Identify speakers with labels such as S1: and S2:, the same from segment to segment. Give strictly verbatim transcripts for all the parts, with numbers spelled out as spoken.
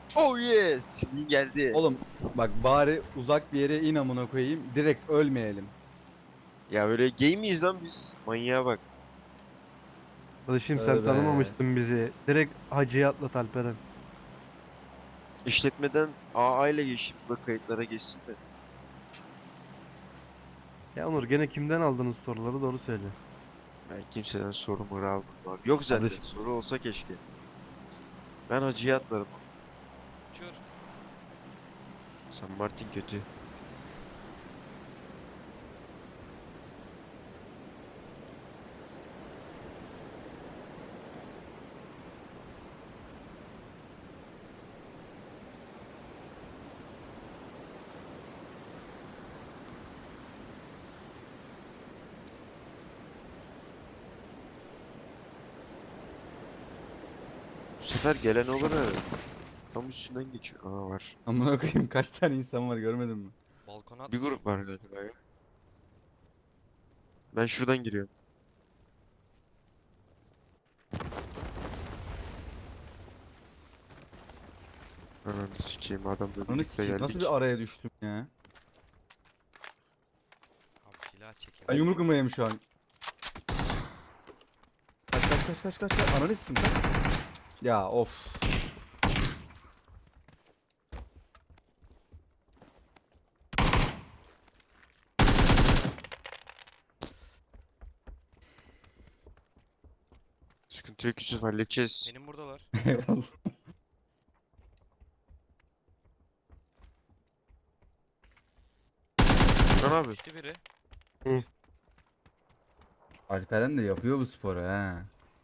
S1: Oh yes. Swing geldi.
S2: Oğlum bak bari uzak bir yere in amına koyayım. Direkt ölmeyelim.
S1: Ya böyle gay miyiz lan biz? Manyağa bak.
S3: Kardeşim sen
S2: Tövbe.
S3: tanımamıştın bizi. Direkt Hacı'ya atlat Alperen.
S1: İşletmeden A A ile geçip bu da kayıtlara geçsin de.
S3: Ya Onur gene kimden aldınız soruları doğru söyle.
S1: Ben kimseden sorumu almadım abi. Yok zaten.
S2: Kardeşim.
S1: Soru olsa keşke. Ben hacıya atlarım.
S4: Uçur.
S1: San Martin kötü. Bu sefer gelen olur herhalde. Tam üstünden geçiyor. Aa var.
S2: Amına koyayım kaç tane insan var görmedin mi?
S4: Balkona
S1: Bir
S4: atla.
S1: grup var galiba ya. Ben şuradan giriyorum. Ananı sikeyim adamla
S2: Onu
S1: birlikte
S2: sikeyim. Nasıl
S1: geldik.
S2: bir araya düştüm ya?
S4: Abi silah çekelim.
S2: Ben yumruk numaralayım şu an. Kaç kaç kaç kaç kaç kaç. Ananı sikeyim kaç. Ya of.
S1: Sıkıntı yok Yusuf halledeceğiz.
S4: Benim buradalar.
S2: Eyvallah.
S1: Furkan abi.
S4: İşte biri.
S2: Alperen de yapıyor bu sporu ha.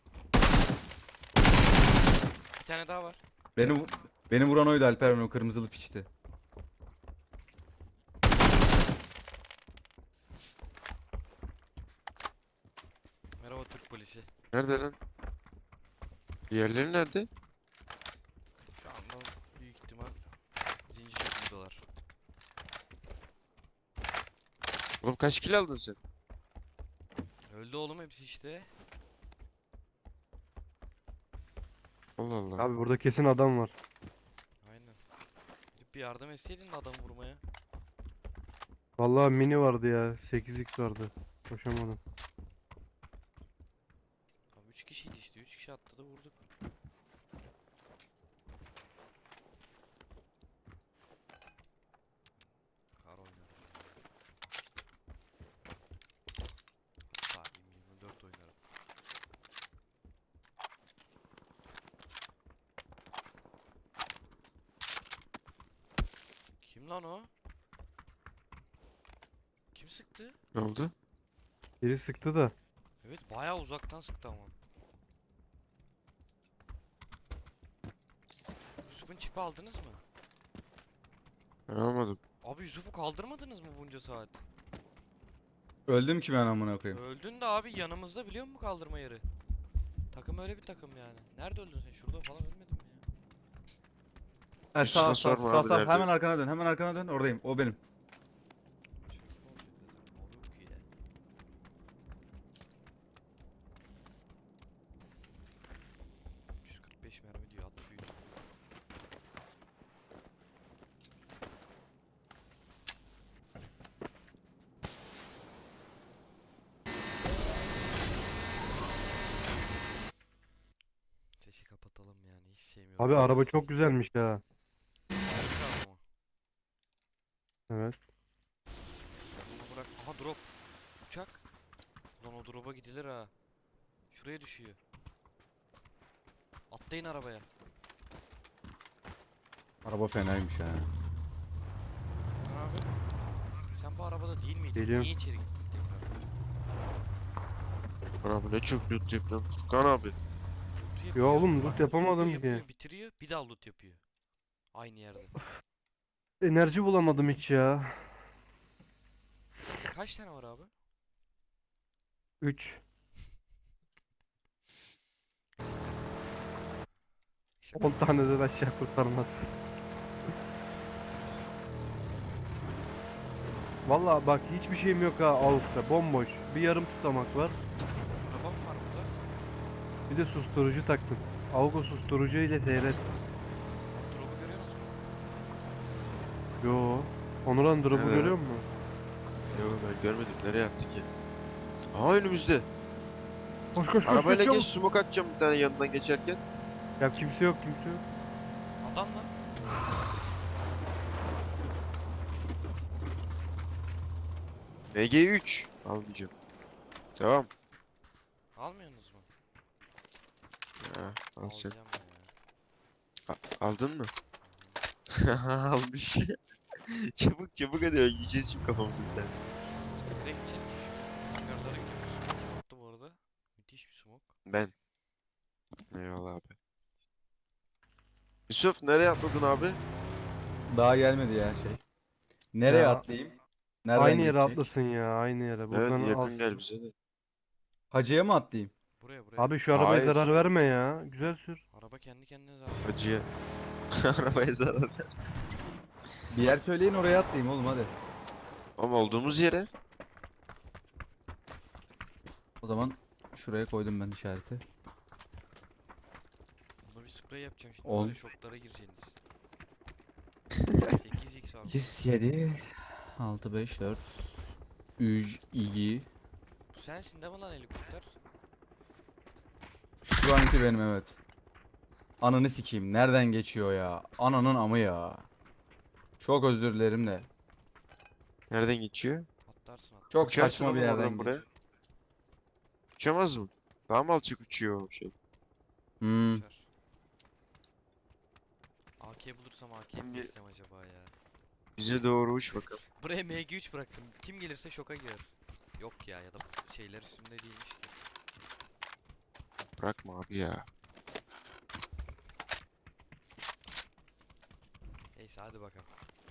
S4: Bir tane daha var.
S2: Beni vu- beni vuran oydu Alperen, o kırmızılı piçti.
S4: Merhaba Türk polisi.
S1: Nerede lan? Diğerleri nerede?
S4: Şu anda büyük ihtimal zincirle buradalar.
S1: Oğlum kaç kill aldın sen?
S4: Öldü oğlum hepsi işte.
S1: Allah Allah.
S3: Abi burada kesin adam var.
S4: Aynen. Gidip bir yardım etseydin de adamı vurmaya.
S3: Vallahi mini vardı ya. sekiz x vardı. Koşamadım.
S4: Abi üç kişiydi işte. üç kişi attı da vurduk. Kar oynarım. Hatta yirmi dört oynarım. Kim lan o? Kim sıktı?
S1: Ne oldu?
S3: Biri sıktı da.
S4: Evet bayağı uzaktan sıktı ama. Yusuf'un çipi aldınız mı?
S1: Ben almadım.
S4: Abi Yusuf'u kaldırmadınız mı bunca saat?
S2: Öldüm ki ben amına koyayım.
S4: Öldün de abi yanımızda biliyor musun kaldırma yeri? Takım öyle bir takım yani. Nerede öldün sen? Şurada falan ölmedin mi ya?
S2: Ha,
S1: Hiç
S2: sağ
S1: de
S2: sağ
S1: sorma
S2: sağ
S1: abi,
S2: sağ
S1: nerede?
S2: hemen arkana dön, hemen arkana dön, oradayım, o benim.
S4: Başka kim olacak zaten? O yok ki de. üç yüz kırk beş mermi diyor. At şu Yusuf'u. Sesi kapatalım yani. Hiç sevmiyorum.
S3: Abi araba çok güzelmiş ha.
S4: Harika ama.
S3: Evet.
S4: Sen bunu bırak. Aha drop. Uçak. Lan o drop'a gidilir ha. Şuraya düşüyor. Atlayın arabaya.
S2: Araba fenaymış ha.
S4: Abi. Sen bu arabada değil miydin?
S3: Geliyorum.
S4: Niye içeri gittin tekrar?
S1: Furkan abi ne çok loot yapıyorsun Furkan abi.
S4: Loot'u
S3: Ya
S4: yapıyor.
S3: oğlum
S4: Bak,
S3: loot
S4: loot'u
S3: yapamadım
S4: yapıyor,
S3: ki.
S4: bitiriyor. Bir daha loot yapıyor. Aynı yerde.
S3: Enerji bulamadım hiç ya.
S4: Kaç tane var abi?
S3: üç.
S4: Şaka.
S3: on taneden aşağı kurtarmaz. Vallahi bak hiçbir şeyim yok ha avukta. Bomboş. Bir yarım tutamak var.
S4: Araba mı var burada?
S3: Bir de susturucu taktım. Avuk o susturucu ile seyret.
S4: Drop'u görüyor
S3: Yo. Onuran drop'u
S1: Nerede?
S3: görüyor musun?
S1: Yok ben görmedim. Nereye attı ki? Aha önümüzde.
S3: Koş koş koş
S1: Arabayla
S3: koş
S1: geç
S3: çabuk.
S1: smoke atacağım bir tane yanından geçerken.
S3: Ya kimse yok kimse yok.
S4: Adam lan.
S1: M G üç. Almayacağım. Tamam.
S4: Almıyorsunuz mu?
S1: Ya, al sen.
S4: Alacağım ben ya.
S1: A- aldın mı? Almış. Çabuk çabuk hadi yiyeceğiz şimdi kafamızı bir tane.
S4: Nereye gideceğiz ki şu? Hangarlara gidiyoruz. Smoke kim attı bu arada? Müthiş bir smoke.
S1: Ben. Eyvallah abi. Yusuf nereye atladın abi?
S2: Daha gelmedi ya şey. Nereye
S3: Ya,
S2: atlayayım? Nereden
S3: Aynı yere
S2: geçecek?
S3: atlasın ya aynı yere.
S1: Evet
S3: Buradan
S1: yakın
S3: alsın.
S1: gel bize de.
S2: Hacıya mı atlayayım?
S4: Buraya buraya.
S3: Abi şu arabaya
S1: Hayır.
S3: zarar verme ya. Güzel sür.
S4: Araba kendi kendine zaten.
S1: Acıya. Arabaya zarar.
S2: Bir yer söyleyin oraya atlayayım oğlum hadi.
S1: Ama olduğumuz yere.
S2: O zaman şuraya koydum ben işareti.
S4: Buna bir sprey yapacağım şimdi.
S2: On.
S4: Böyle şoklara gireceğiniz. sekiz x var.
S2: sekiz, yedi, altı, beş, dört, üç, iki.
S4: Bu sensin değil mi lan helikopter?
S2: Şu anki benim evet. Ananı sikeyim. Nereden geçiyor ya? Ananın amı ya. Çok özür dilerim de.
S1: Nereden geçiyor?
S4: Atlarsın at.
S2: Çok
S1: Uçarsın
S2: saçma bir
S1: oğlum
S2: yerden
S1: oradan buraya.
S2: geçiyor.
S1: Uçamaz mı? Daha mı alçak uçuyor o şey?
S2: Hmm.
S4: Uçar. A K bulursam A K'yi mi
S1: Şimdi-
S4: geçsem acaba ya?
S1: Bize doğru uç bakalım.
S4: Buraya M G üç bıraktım. Kim gelirse şoka girer. Yok ya ya da şeyler üstünde değilmiş ki.
S1: Bırakma abi ya.
S4: Neyse hadi bakalım.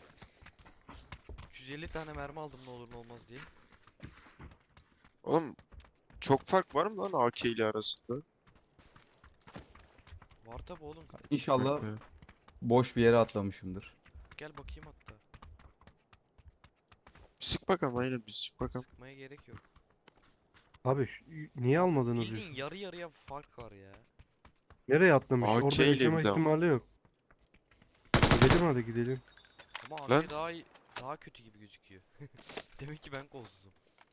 S4: üç yüz elli tane mermi aldım ne olur ne olmaz diye.
S1: Oğlum çok fark var mı lan A K ile arasında?
S4: Var tabi oğlum.
S2: İnşallah
S1: Evet.
S2: boş bir yere atlamışımdır.
S4: Gel bakayım hatta.
S1: Sık bakalım aynen bir sık bakalım.
S4: Sıkmaya gerek yok.
S3: Abi şu- niye almadınız
S4: Bildiğin
S3: Yusuf?
S4: yarı yarıya fark var ya.
S3: Nereye atlamış?
S1: A K
S3: Orada
S1: ile
S3: yaşama
S1: bir de ama.
S3: ihtimali yok. Gidelim hadi gidelim.
S4: Ama
S1: Lan.
S4: A K daha iyi, daha kötü gibi gözüküyor. Demek ki ben kolsuzum.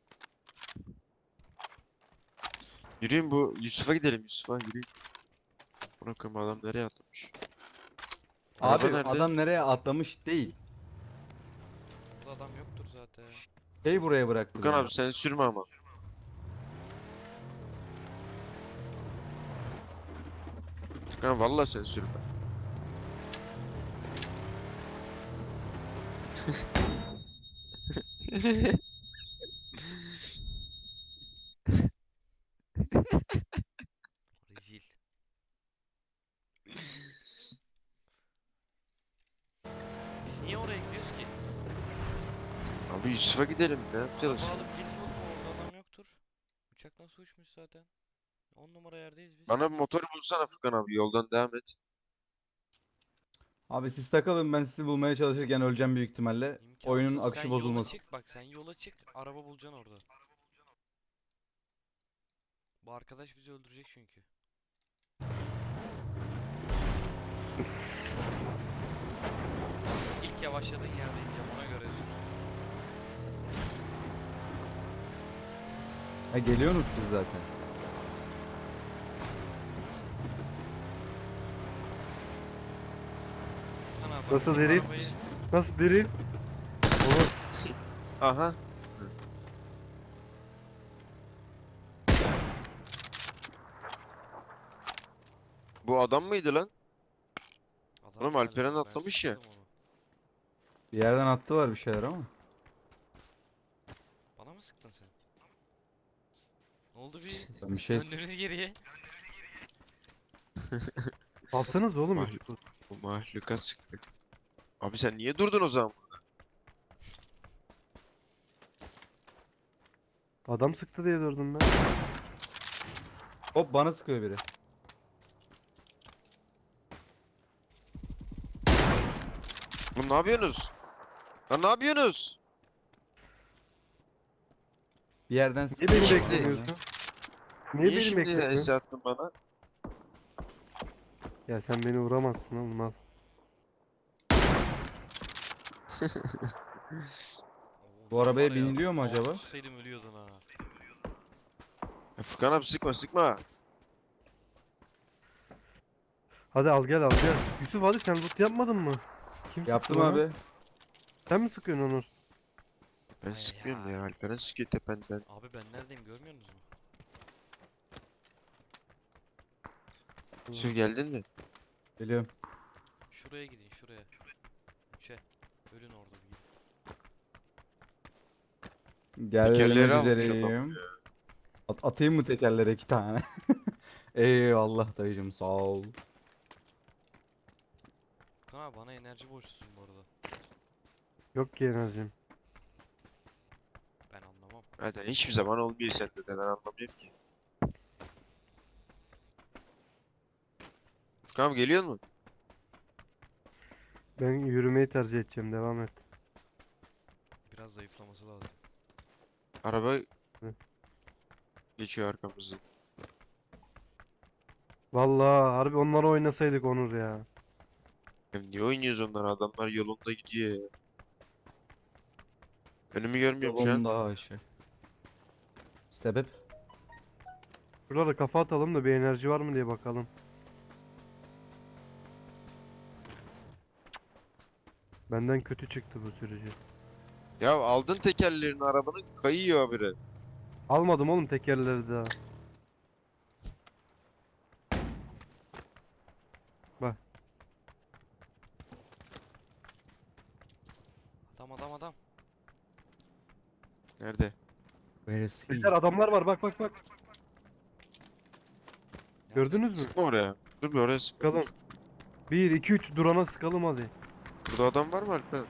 S1: Yürüyün bu Yusuf'a gidelim Yusuf'a yürüyün. Bırakın adam nereye atlamış? Araba
S2: Abi
S1: nerede?
S2: adam nereye atlamış değil.
S4: Burada adam yoktur zaten.
S2: Şey buraya bıraktı.
S1: Furkan
S2: beni.
S1: abi sen sürme ama. Furkan vallahi sen sürme.
S4: Rezil. Biz niye oraya gidiyoruz ki?
S1: Abi Yusuf'a gidelim ne yapacağız?
S4: Araba alıp gelin oğlum orada adam yoktur. Uçak nasıl uçmuş zaten? on numara yerdeyiz biz.
S1: Bana bir motor bulsana Furkan abi yoldan devam et.
S2: Abi siz takılın ben sizi bulmaya çalışırken öleceğim büyük ihtimalle.
S4: İmkansız.
S2: Oyunun
S4: Sen
S2: akışı
S4: yola
S2: bozulmasın.
S4: çık bak sen yola çık araba bulacaksın orada. Bu arkadaş bizi öldürecek çünkü. İlk yavaşladığın yerde ineceğim ona göre sür.
S2: Ha geliyorsunuz siz zaten.
S4: Furkan abi,
S3: Nasıl
S4: benim
S3: herif?
S4: arabayı-
S3: Nasıl drift? Oğlum
S1: Aha. Bu adam mıydı lan?
S4: Adam
S1: Oğlum,
S4: galiba,
S1: Alperen
S4: ben
S1: atlamış ya.
S4: sıktım onu.
S2: Bir yerden attılar bir şeyler ama.
S4: Bana mı sıktın sen? Ne oldu bir
S2: Ben bir şey
S4: döndünüz geriye?
S3: alsanız oğlum
S1: Vay.
S3: Yusuf'u.
S1: Bu mahluka sıktı. Abi sen niye durdun o zaman?
S3: Adam sıktı diye durdum ben.
S2: hop bana sıkıyor biri.
S1: Oğlum ne yapıyorsunuz? Lan ne yapıyorsunuz?
S2: Bir yerden
S3: Niye beni
S2: sıkıyor.
S3: beklemiyorsun? Niye,
S1: Niye
S3: beni
S1: şimdi
S3: beklemiyorsun?
S1: S attın bana?
S3: Ya sen beni vuramazsın oğlum al.
S2: Bu
S4: Var
S2: arabaya
S4: ya,
S2: biniliyor mu
S4: altı
S2: acaba?
S4: tutsaydım ölüyordun ha.
S1: Ya Furkan abi sıkma sıkma.
S3: Hadi al gel al gel. Yusuf hadi sen loot yapmadın mı? Kim sıktı
S2: Yaptım
S3: bana?
S2: abi.
S3: Sen mi sıkıyorsun Onur?
S1: Ben
S4: Ay
S1: sıkmıyorum
S4: ya.
S1: ya. Alperen sıkıyor tependen.
S4: Abi ben neredeyim görmüyor musunuz mu?
S1: Yusuf geldin mi?
S2: Geliyorum.
S4: Şuraya gidin şuraya. Üçe. Ölün orada bir gidin.
S1: Tekerleri
S2: Gelmek
S1: almış adam
S2: üzereyim. At atayım mı tekerlere iki tane? Eyvallah dayıcım sağ ol.
S4: Furkan abi bana enerji borçlusun bu arada.
S3: Yok ki enerjim.
S4: Ben anlamam.
S1: Zaten hiçbir zaman olmuyor sende de ben anlamıyorum ki. Furkan abi geliyor mu?
S3: Ben yürümeyi tercih edeceğim. Devam et.
S4: Biraz zayıflaması lazım.
S1: Araba
S3: Hı.
S1: geçiyor arkamızdan.
S3: Vallahi harbi onları oynasaydık Onur ya.
S1: Ya niye oynuyoruz onları? Adamlar yolunda gidiyor ya. Önümü görmüyorum şu an.
S2: Yolunda Ayşe. Sebep?
S3: Şurada kafa atalım da bir enerji var mı diye bakalım. Benden kötü çıktı bu sürücü.
S1: Ya aldın tekerlerini arabanın kayıyor habire.
S3: Almadım oğlum tekerleri daha. Bak
S4: Adam adam adam.
S1: Nerede?
S2: Where is he?
S3: beyler adamlar var bak bak bak.
S4: Nerede?
S3: Gördünüz mü?
S1: Sıkma oraya. Dur bir oraya sıkma.
S3: Sıkalım. bir iki üç durana sıkalım hadi.
S1: Burada adam var mı Alperen?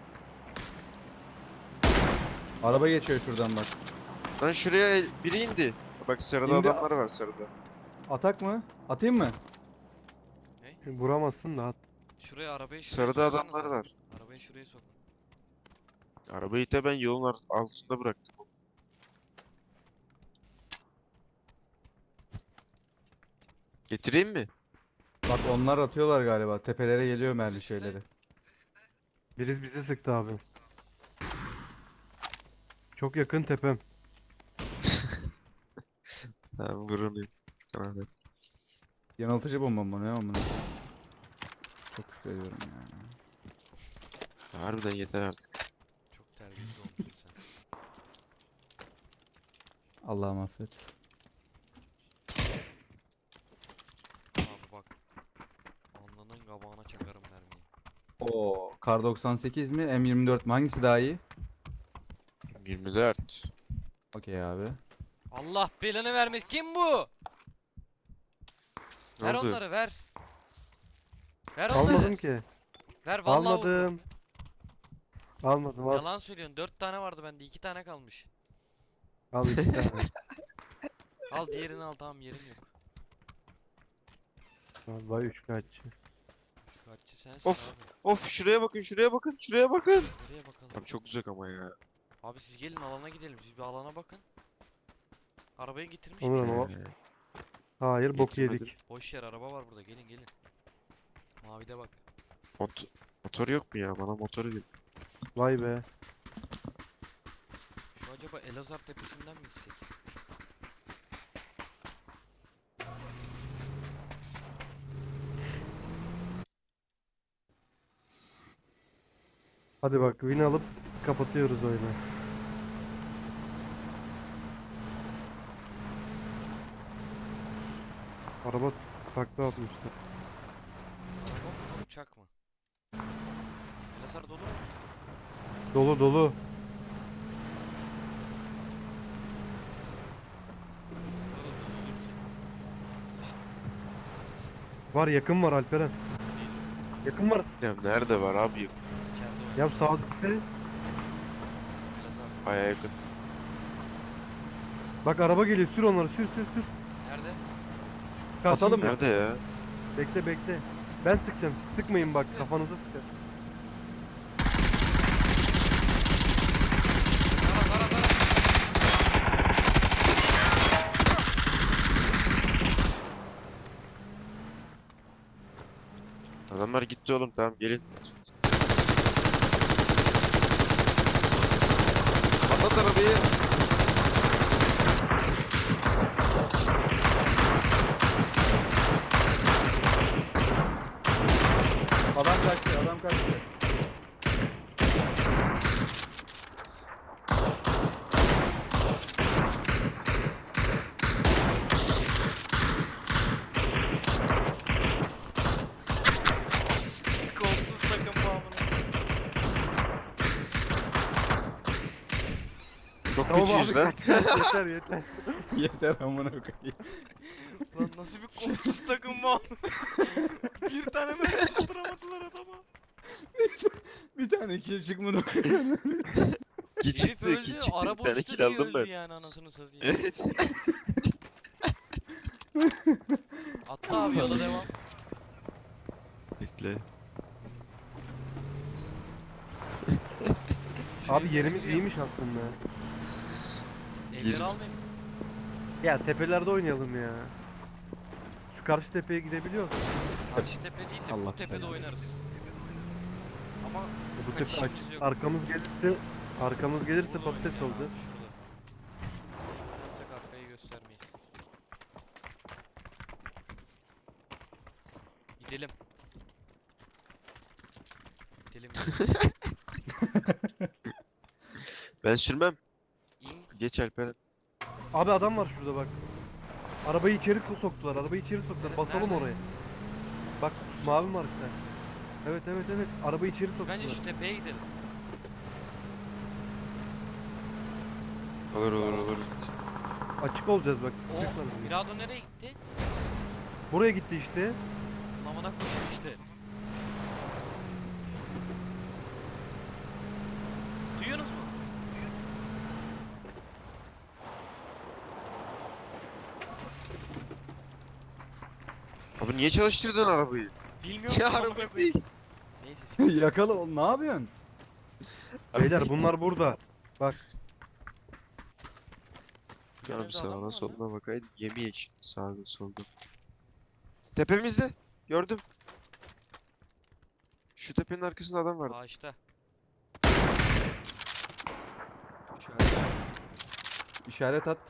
S2: Araba geçiyor şuradan bak.
S1: Lan şuraya el- biri indi. Bak sarıda
S2: İndi.
S1: adamlar var sarıda.
S2: Atak mı? Atayım mı?
S3: Vuramazsın da at.
S4: Şuraya arabayı şuraya
S1: Sarıda
S4: soksanıza.
S1: adamlar var.
S4: Arabayı şuraya sokun.
S1: Arabayı da ben yolun ar- altında bıraktım. Getireyim mi?
S2: Bak onlar atıyorlar galiba. Tepelere geliyor mermi
S4: İşte.
S2: şeyleri.
S3: Biri bizi sıktı abi. Çok yakın tepem.
S1: Tamam vuruluyum. Tamam. hadi.
S2: Yanıltıcı bomba mı ne amına? Çok küfür ediyorum ya.
S1: Harbiden yeter artık.
S4: Çok terbiyesiz olmuşsun sen.
S2: Allah'ım affet.
S4: Abi bak. Alnının kabağına çakarım mermiyi.
S2: Oo, Kar doksan sekiz mi? M yirmi dört mi? Hangisi daha iyi?
S1: yirmi dört.
S2: Okey abi.
S4: Allah belanı vermiş. Kim bu?
S1: Ne
S4: Ver
S1: oldu?
S4: onları ver. Ver onları.
S3: Almadım ki.
S4: Ver vallahi vurdum.
S3: Almadım. Almadım al.
S4: Yalan söylüyorsun. Dört tane vardı bende. iki tane kalmış.
S3: Al iki tane.
S4: Al diğerini al tamam yerim yok.
S3: Vay üç kaççı.
S4: Şu kaççı sensin
S1: Of.
S4: abi.
S1: Of şuraya bakın şuraya bakın şuraya bakın.
S4: Nereye bakalım?
S1: Abi çok uzak ama ya.
S4: Abi siz gelin alana gidelim. Siz bir alana bakın. Arabayı getirmiş
S3: Onur
S4: miyim?
S3: ama
S1: Ee,
S3: hayır bok
S1: Getirmedim.
S3: yedik.
S4: Boş yer araba var burada. Gelin gelin. Mavide bak.
S1: mot motor yok mu ya? Bana motoru ver.
S3: Vay be.
S4: Şu acaba Elazığ tepesinden mi gitsek?
S3: Hadi bak win alıp kapatıyoruz oyunu. Araba takla atmıştı.
S4: Araba mı uçak mı? Elazığ dolu mu?
S3: Dolu dolu.
S4: Burada dolu olur ki. Sıçtık.
S3: Var yakın var Alperen.
S4: Değil.
S3: Yakın var.
S1: Ya nerede var abi?
S4: İçeride oynuyor.
S3: Ya sağ üstte.
S4: Elazığ.
S1: Baya yakın.
S3: Bak araba geliyor sür onları sür sür sür.
S4: Nerede?
S2: Atalım mı?
S1: Nerede ya?
S3: Bekle bekle. Ben sıkacağım siz sıkmayın
S4: Sıkı
S3: bak
S4: sıkı.
S3: kafanıza sıkın.
S4: Tara tara tara.
S1: Adamlar gitti oğlum tamam gelin. Patlat arabayı.
S2: Adam kaçtı, adam kaçtı.
S4: Kolsuz takım bağımını.
S1: Çok
S3: Tamam abi
S1: kötüyüz lan.
S3: kaç kaç yeter yeter.
S2: Yeter amına koyayım.
S4: Lan nasıl bir kolsuz takım bağımını. Bir tane mermi tutturamadılar adama.
S2: Bir tane kill çıkmadı koyayım.
S1: İki
S4: Herif
S1: çıktı,
S4: öldü.
S1: iki çıktı.
S4: Araba
S1: Bir tane
S4: uçtu
S1: kill
S4: diye
S1: aldım
S4: öldü
S1: ben.
S4: yani anasını satayım.
S1: Evet.
S4: Atla abi yola devam.
S1: Bekle.
S4: Şu
S3: Abi
S4: evlere
S3: yerimiz
S4: gidiyorum.
S3: iyiymiş aslında.
S4: Evleri
S1: Yerim.
S4: almayayım.
S3: Ya tepelerde oynayalım ya. Şu karşı tepeye gidebiliyor musun?
S4: Karşı tepe değil de
S2: Allah
S4: bu tepede
S2: belanı.
S4: oynarız. Ama
S3: Bu tepe
S4: kaçışımız
S3: aç.
S4: yok.
S3: Arkamız gelirse arkamız gelirse
S4: Burada
S3: patates
S4: oynayalım abi,
S3: olacak.
S4: Şurada. Gelsek arkayı göstermeyiz. Gidelim. Gidelim.
S1: Ben sürmem.
S4: İn.
S1: Geç Alperen.
S3: Abi adam var şurada bak. Arabayı içeri ko- soktular. Arabayı içeri soktular.
S4: Nerede?
S3: Basalım
S4: Nerede?
S3: oraya. Bak mavi markta. Evet evet evet. Arabayı içeri soktular.
S4: Bence şu tepeye gidelim.
S1: Olur olur olur.
S3: Açık olacağız bak.
S4: O
S3: sıkacaklar bizi.
S4: Mirado nereye gitti?
S3: Buraya gitti işte.
S4: Lamana koyacağız işte. Duyuyorsunuz mu?
S1: Abi niye çalıştırdın arabayı?
S4: Bilmiyorum.
S1: Ya
S4: ki, amına
S1: araba
S4: koyayım.
S1: değil.
S4: Neyse siz-
S2: Yakala oğlum, ne yapıyorsun?
S3: Beyler bunlar burada. Bak
S4: Yan
S1: Canım
S4: evde adam mı
S1: sağına
S4: var
S1: soluna bakaydı. Yemeyek şimdi sağda solda. Tepemizde. Gördüm. Şu tepenin arkasında adam vardı.
S4: Ağaçta.
S2: İşaret. İşaret at.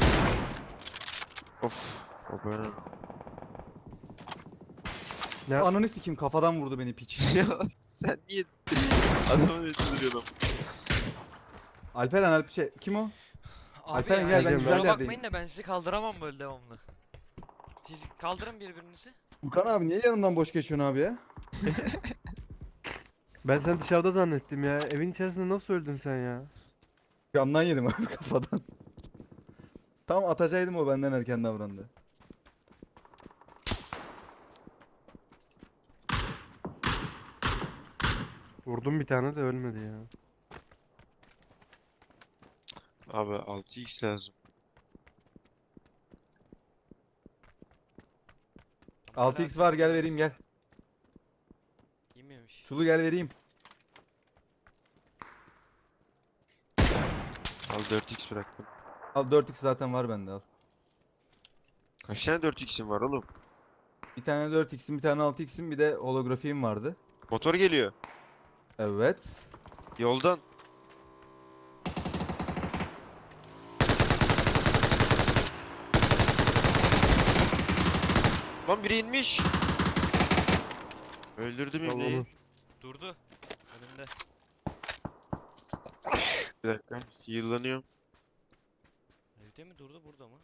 S1: Of. O ben.
S3: ne?
S2: Ananı sikeyim, kafadan vurdu beni piç.
S1: Ya sen niye adamı öldürüyorsun?
S2: Alperen Alp şey kim o?
S4: Abi
S2: Alperen
S3: gel, ben
S4: kusura
S3: güzel
S2: yerdeyim.
S4: bakmayın da ben sizi kaldıramam böyle devamlı. Siz kaldırın birbirinizi.
S2: Furkan abi niye yanımdan boş geçiyorsun abi ya?
S3: Ben seni dışarıda zannettim ya. Evin içerisinde nasıl öldün sen ya?
S2: Camdan yedim abi kafadan. Tam atacaktım, o benden erken davrandı.
S3: Vurdum bir tane de ölmedi ya.
S1: Abi altı x lazım.
S2: altı x var, gel vereyim gel.
S4: Yememiş.
S2: Çulu gel vereyim.
S1: Al dört x bıraktım.
S2: Al dört x zaten var bende, al.
S1: Kaç tane dört x'in var oğlum?
S2: Bir tane dört x'im, bir tane altı x'im, bir de holografiğim vardı.
S1: Motor geliyor.
S2: Evet.
S1: Yoldan. Lan biri inmiş. Öldürdüm
S3: Al
S1: İbne'yi.
S3: onu.
S4: Durdu. Önümde.
S1: Bir dakika. Yıllanıyorum.
S4: Evde mi durdu burada mı?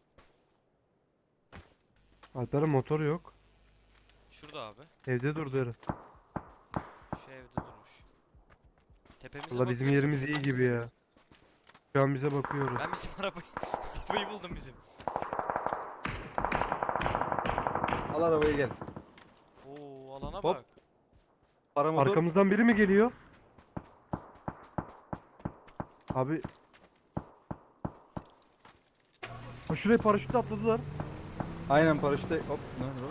S3: Alper'in motoru yok.
S4: Şurada abi.
S3: Evde durdu herif.
S4: Şu evde durmuş. Tepemize
S3: Valla bizim
S4: bakıyoruz,
S3: yerimiz iyi
S4: tepemize.
S3: gibi ya. Şu an bize bakıyoruz.
S4: Ben bizim arabayı arabayı buldum bizim.
S2: Al arabayı gel.
S4: Oo alana
S2: Hop.
S4: bak.
S2: Paramotor.
S3: Arkamızdan biri mi geliyor? Abi. Ha şuraya paraşütle atladılar.
S2: Aynen paraşütte. Hop. Nerede o?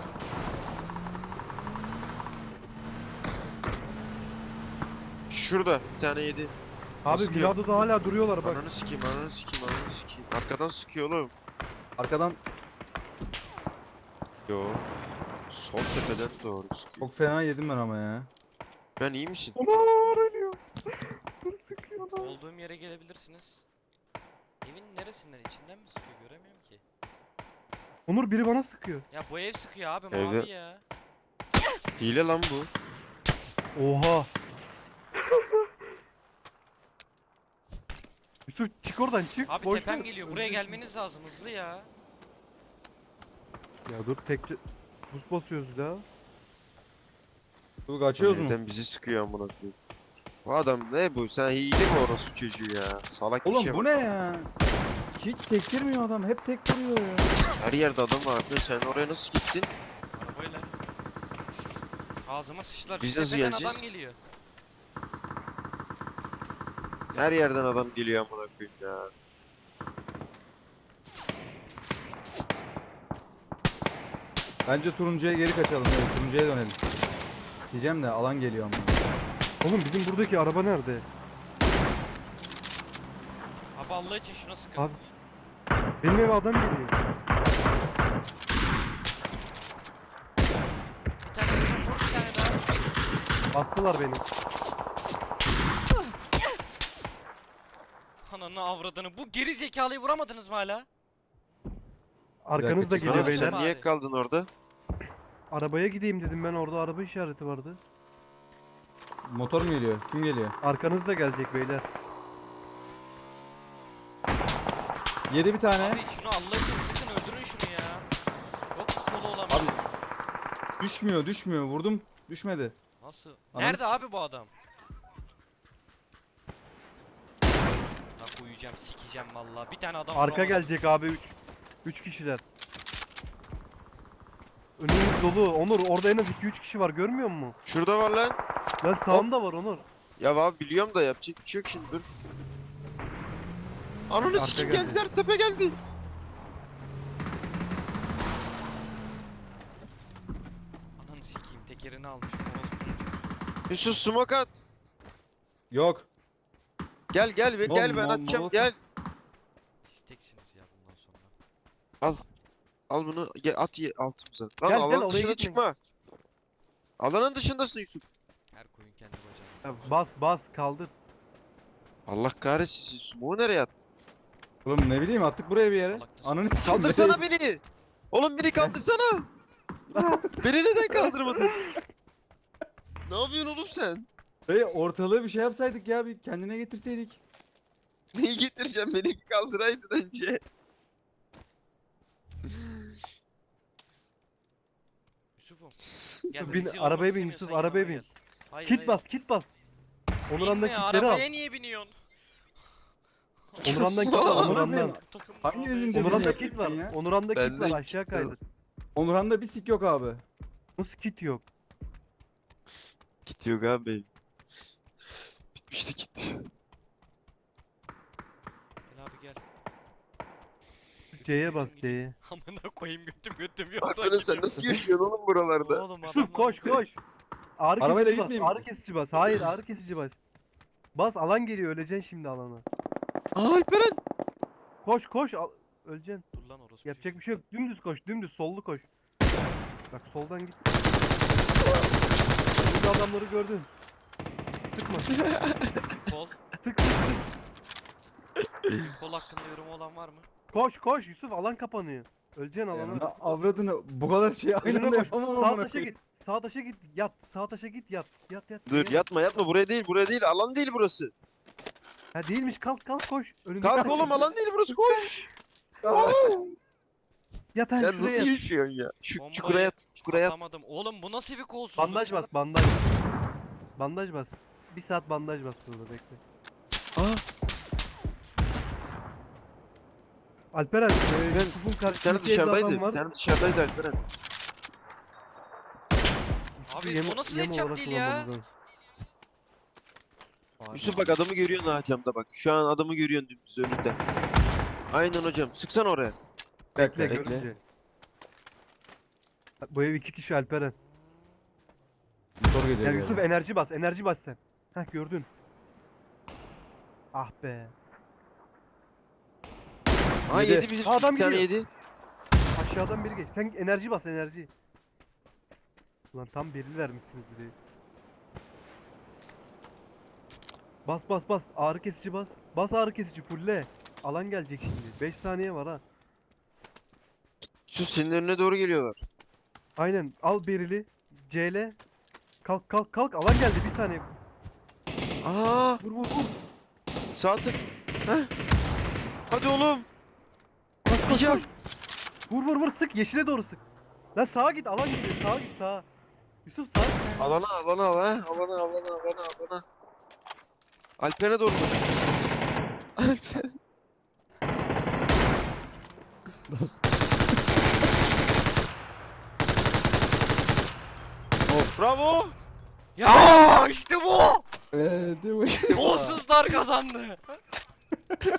S1: Şurada bir tane yedi.
S3: Abi
S1: Sıkıyor.
S3: Mirado'da hala duruyorlar bak.
S1: Ananı sikeyim, ananı sikeyim, ananı sikeyim. Arkadan sıkıyor oğlum.
S2: Arkadan
S1: Yo. Sol tepeden doğru sıkıyor.
S2: çok fena yedim ben ama ya.
S1: Ben iyi misin?
S3: Onlar ölüyor. Sıkıyor lan.
S4: Olduğum yere gelebilirsiniz. Evin neresinden? İçinden mi sıkıyor? Göremiyorum ki.
S3: Onur biri bana sıkıyor.
S4: Ya bu ev sıkıyor abi
S1: Evde-
S4: mavi ya.
S1: Hile lan bu.
S3: Oha. Yusuf çık oradan çık.
S4: Abi
S3: boş
S4: tepem
S3: ver.
S4: geliyor. Buraya
S3: Öleceksin.
S4: gelmeniz lazım hızlı ya.
S3: Ya dur tek buz basıyoruz ya.
S2: Bu kaçıyoruz mu?
S1: Evden bizi sıkıyor amına koyayım. Bu adam ne bu? Sen hile mi orospu çocuğu ya? Salak bir
S2: Oğlum
S1: şey
S2: bu
S1: bak.
S2: ne ya? Hiç sektirmiyor adam. Hep tek vuruyor ya.
S1: Her yerde adam var. Sen oraya nasıl gittin?
S4: Arabayla. Ağzıma sıçtılar.
S1: Biz
S4: Şu
S1: nasıl
S4: tepeden
S1: geleceğiz?
S4: adam geliyor.
S1: Her yerden adam geliyor amına koyayım ya.
S2: Bence turuncuya geri kaçalım. Evet, turuncuya dönelim. Diyeceğim de alan geliyor ama.
S3: Oğlum bizim buradaki araba nerede?
S4: Abi Allah için şuna sıkın.
S3: Abi. Benim eve adam geliyor.
S4: Bir tane vur, bir tane daha.
S3: Bastılar beni.
S4: Ananı avradını. Bu geri zekalıyı vuramadınız mı hala?
S3: Arkanızda
S2: dakika,
S3: geliyor
S1: Sana,
S3: beyler.
S1: sen niye
S4: Abi.
S1: kaldın orada?
S3: Arabaya gideyim dedim ben, orada araba işareti vardı.
S2: Motor mu geliyor? Kim geliyor?
S3: Arkanızda gelecek beyler.
S2: Yedi bir tane.
S4: Abi şunu Allah için sıkın öldürün şunu ya. Yok kolu olamaz.
S2: Abi. Düşmüyor, düşmüyor. Vurdum. Düşmedi.
S4: Nasıl?
S2: Ananı
S4: Nerede
S2: sik-
S4: abi bu adam? Lan koyacağım sikeceğim vallahi. Bir tane adam
S3: Arka
S4: vuramadım.
S3: gelecek abi, üç. üç kişiler. Önümüz dolu. Onur orada en az iki üç kişi var, görmüyor musun?
S1: Şurada var lan.
S3: Lan sağında var Onur.
S1: Ya abi biliyorum da yapacak bir şey yok şimdi dur. Ananı
S3: Arka
S1: sikim
S3: geldi.
S1: geldiler, tepe geldi.
S4: Ananı sikeyim tekerini almış. Orospunun çocuğu.
S1: Yusuf smoke at.
S2: Yok.
S1: Gel gel ve
S2: Mol-
S1: gel ben
S2: mol-
S1: atacağım
S2: mol-
S1: gel.
S4: Siz teksiniz ya bundan sonra.
S1: Al bunu gel, at ye altımıza. Lan
S3: Gel, gel,
S1: alanın
S3: oraya
S1: dışına
S3: gitme.
S1: çıkma. Alanın dışındasın Yusuf.
S4: Her koyun kendi bacağına.
S3: Ya bas bas kaldır.
S1: Allah kahretsin siz smoke'u nereye attın?
S2: Oğlum ne bileyim attık buraya bir yere.
S4: Salaktısın.
S2: Ananı sikeyim.
S1: Kaldırsana beni. Oğlum beni kaldırsana. Beni neden kaldırmadın? Ne yapıyorsun oğlum sen?
S2: Dayı ortalığı bir şey yapsaydık ya, bir kendine getirseydik.
S1: Neyi getireceğim, beni bir kaldıraydın önce.
S4: Yusuf'um. Gel
S3: Bin-
S4: rezil
S3: arabaya
S4: olmak
S3: bin
S4: istemiyorsan
S3: Yusuf,
S4: yanıma
S3: arabaya
S4: gel.
S3: bin.
S4: Hayır,
S3: Kit
S4: hayır.
S3: bas, kit bas. Onuran'dan
S4: Binme,
S3: kitleri al.
S4: arabaya niye biniyorsun?
S3: Onuran'dan kit al,
S1: Aman
S3: Onuran'dan.
S4: Takım
S2: Hanginizin
S4: abi.
S2: dediğini
S3: Onuran'da
S2: yapıyorsun
S3: kit var.
S2: ya?
S3: Onuran'da kit
S1: Bende
S3: var,
S1: kit
S3: aşağı
S1: var.
S3: kaydır.
S2: Onurhan'da bir sik yok abi.
S3: Nasıl kit yok?
S1: Kit yok abi. Bitmişti kit.
S4: Gel abi gel.
S3: C'ye bas, C'ye.
S4: Amına koyayım götüm götüm yolda
S1: Hakikaten sen
S4: gidiyor.
S1: nasıl yaşıyorsun oğlum buralarda?
S4: Oğlum
S3: Yusuf
S4: adamlar-
S3: koş koş. Ağrı
S2: Arabayla
S3: kesici bas,
S2: gitmeyeyim
S3: ağrı
S2: mi?
S3: kesici bas. Hayır, ağrı kesici bas. Bas, alan geliyor, öleceksin şimdi alana.
S1: Aa Alperen.
S3: Koş koş, al- öleceksin.
S4: Dur lan orospu
S3: Yapacak bir şey yok. Dümdüz koş, dümdüz sollu koş. Bak soldan git. Burada adamları gördün. Sıkma. Sık
S4: çocuğu. Kol.
S3: sık sık.
S4: Kol hakkında yorumu olan var mı?
S3: Koş koş Yusuf, alan kapanıyor. Öleceksin
S2: Ya,
S3: alana.
S2: avradını bu kadar şey aynı
S3: Önüne
S2: anda
S3: koş.
S2: yapamam
S3: Sağ
S2: amına
S3: taşa
S2: koyayım.
S3: git. Sağ taşa git. Yat. Sağ taşa git yat. Yat yat.
S1: Dur yatma yatma, buraya değil buraya değil, alan değil burası.
S3: Ha değilmiş, kalk kalk koş. Önünde
S1: Kalk oğlum, alan değil burası, koş.
S3: Yat ha,
S1: Sen
S3: şuraya
S1: nasıl
S3: yat.
S1: yaşıyorsun ya? Şu
S4: Bombayı
S1: çukura yat, çukura yat.
S4: Atlamadım. Oğlum bu nasıl bir kolsuzluk?
S3: Bandaj bas, bandaj. Bandaj bas. Bir saat bandaj bas burada, bekle.
S1: Aa,
S3: Alperen, e,
S1: Ben-
S3: Yusuf'un
S1: bir tane
S3: karşısındaki evde adam
S1: dışarıdaydı,
S3: var.
S1: bir tane dışarıdaydı Alperen.
S3: Yusuf'u
S4: Abi,
S3: yem-
S4: o nasıl
S3: yem
S4: headshot
S3: olarak
S4: değil ya?
S3: kullanmamız lazım.
S1: Yusuf bak adamı görüyorsun ha camda bak. Şu an adamı görüyorsun dümdüz önünde. Aynen hocam, sıksana oraya.
S3: Bekle,
S2: Bekle.
S1: bekle.
S3: görünce. Bu ev iki kişi Alperen.
S2: Motor geliyor.
S3: Ya
S2: bir
S3: Yusuf
S2: yerden.
S3: enerji bas, enerji bas sen. Heh gördün. Ah be.
S1: Aa
S2: Yedi.
S1: yedi bir,
S3: Aa, adam
S1: bir tane
S3: gidiyor.
S1: yedi.
S3: Aşağıdan biri geç. Sen enerji bas, enerji. Ulan tam beril vermişsiniz bir de. Bas bas bas. Ağrı kesici bas. Bas ağrı kesici fulle. Alan gelecek şimdi. beş saniye var ha.
S1: Yusuf senin önüne doğru geliyorlar.
S3: Aynen. Al berili. C L. Kalk kalk kalk. Alan geldi. Bir saniye.
S1: Aa,
S3: Vur vur vur.
S1: sağ tık. Heh. Hadi oğlum.
S3: Koş
S1: Bir
S3: koş
S1: can.
S3: koş. Vur vur vur sık. Yeşile doğru sık. Lan sağa git. Alan gidiyor. Sağa git sağa. Yusuf sağa git.
S1: Alana alana al ha. Alana alana alana alana. Alper'e doğru koş. Alper. Oh, bravo.
S4: Ya işte bu.
S2: Eee değil mi?
S4: Golsuzlar kazandı.